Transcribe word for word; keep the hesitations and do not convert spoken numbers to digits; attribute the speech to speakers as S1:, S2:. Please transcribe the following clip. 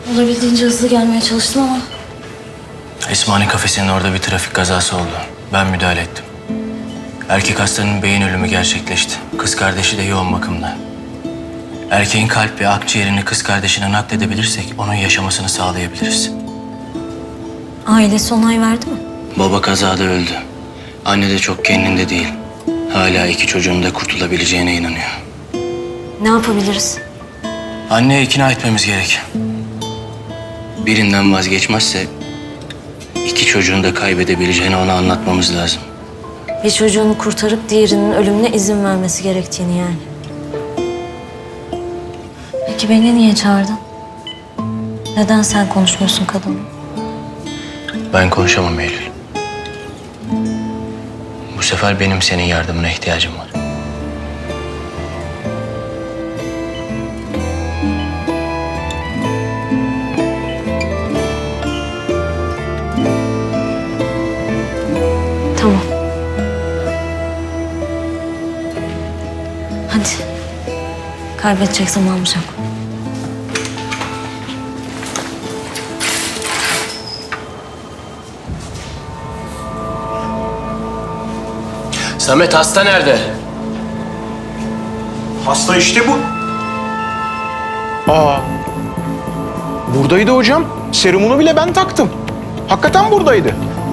S1: Olabildiğince hızlı gelmeye çalıştım ama...
S2: Esmani kafesinin orada bir trafik kazası oldu. Ben müdahale ettim. Erkek hastanın beyin ölümü gerçekleşti. Kız kardeşi de yoğun bakımda. Erkeğin kalp ve akciğerini kız kardeşine nakledebilirsek onun yaşamasını sağlayabiliriz.
S1: Ailesi onay verdi mi?
S2: Baba kazada öldü. Anne de çok kendinde değil. Hala iki çocuğun da kurtulabileceğine inanıyor.
S1: Ne yapabiliriz?
S2: Anneye ikna etmemiz gerek. Birinden vazgeçmezse iki çocuğunu da kaybedebileceğini ona anlatmamız lazım.
S1: Bir çocuğunu kurtarıp diğerinin ölümüne izin vermesi gerektiğini yani. Peki beni niye çağırdın? Neden sen konuşmuyorsun kadınla?
S2: Ben konuşamam Eylül. Bu sefer benim senin yardımına ihtiyacım var.
S1: Tamam. Hadi. Kaybedecek zamanımız yok.
S2: Samet hasta nerede?
S3: Hasta işte bu. Aa. Buradaydı hocam. Serumunu bile ben taktım. Hakikaten buradaydı.